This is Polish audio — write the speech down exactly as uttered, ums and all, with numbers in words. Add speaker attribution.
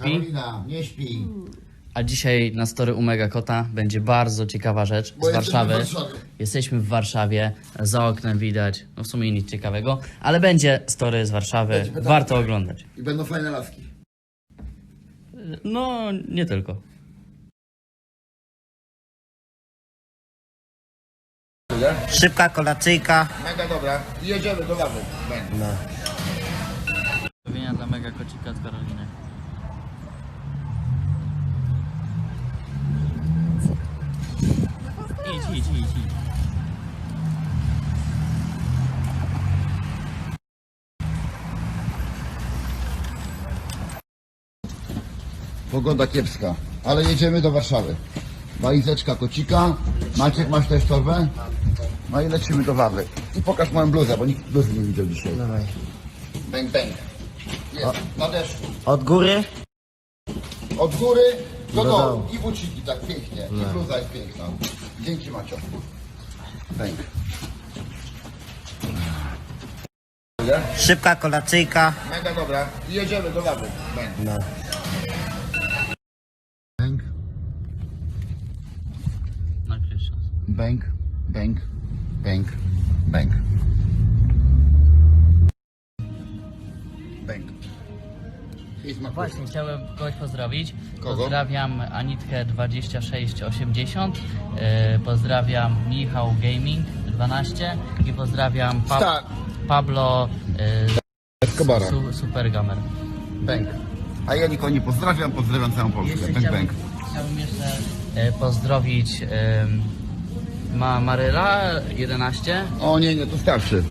Speaker 1: Karolina, nie śpi.
Speaker 2: A dzisiaj na story u Mega Kota będzie bardzo ciekawa rzecz
Speaker 1: Bo
Speaker 2: z Warszawy.
Speaker 1: jesteśmy w Warszawie.
Speaker 2: Jesteśmy w Warszawie, za oknem widać, no w sumie nic ciekawego, ale będzie story z Warszawy,
Speaker 1: Będzie pytanie.
Speaker 2: warto oglądać.
Speaker 1: I będą fajne laski.
Speaker 2: No, nie tylko.
Speaker 3: Szybka kolacyjka.
Speaker 1: Mega dobra. I jedziemy do lawy.
Speaker 3: No.
Speaker 2: Pozdrowienia dla Mega Kocika od Karoliny. Idź, idź, idź, idź.
Speaker 1: Pogoda kiepska, ale jedziemy do Warszawy. Walizeczka kocika. Maciek, masz też torbę? No i lecimy do Wawy. I pokaż moją bluzę, bo nikt bluzy nie widział dzisiaj.
Speaker 3: Dawaj.
Speaker 1: Bang, bang. Jest, na deszczu.
Speaker 3: Od góry?
Speaker 1: Od góry do
Speaker 3: Do
Speaker 1: dołu.
Speaker 3: dołu.
Speaker 1: I buciki tak pięknie. I bluza jest piękna. Dzięki, Macio. Bang.
Speaker 3: Szybka kolacyjka.
Speaker 1: Mega dobra. I jedziemy do Wawy. Bang.
Speaker 3: No.
Speaker 1: Bang,
Speaker 2: Nakryć czas.
Speaker 1: bang, bang, bang, bang. Bang. I smakuje.
Speaker 2: Właśnie, chciałem kogoś pozdrowić.
Speaker 1: Kogo?
Speaker 2: Pozdrawiam Anitkę dwadzieścia sześć osiemdziesiąt, yy, pozdrawiam Michał Gaming dwanaście i pozdrawiam pa
Speaker 1: Tak.
Speaker 2: Pablo yy,
Speaker 1: Escobara.
Speaker 2: su Super Gamer.
Speaker 1: Bang. A ja nikogo nie pozdrawiam, pozdrawiam całą Polskę.
Speaker 2: Jeszcze
Speaker 1: Bang,
Speaker 2: chciałbym,
Speaker 1: bang.
Speaker 2: chciałbym jeszcze yy, pozdrowić yy, Ma Maryla jedenaście.
Speaker 1: O nie, nie, to starszy.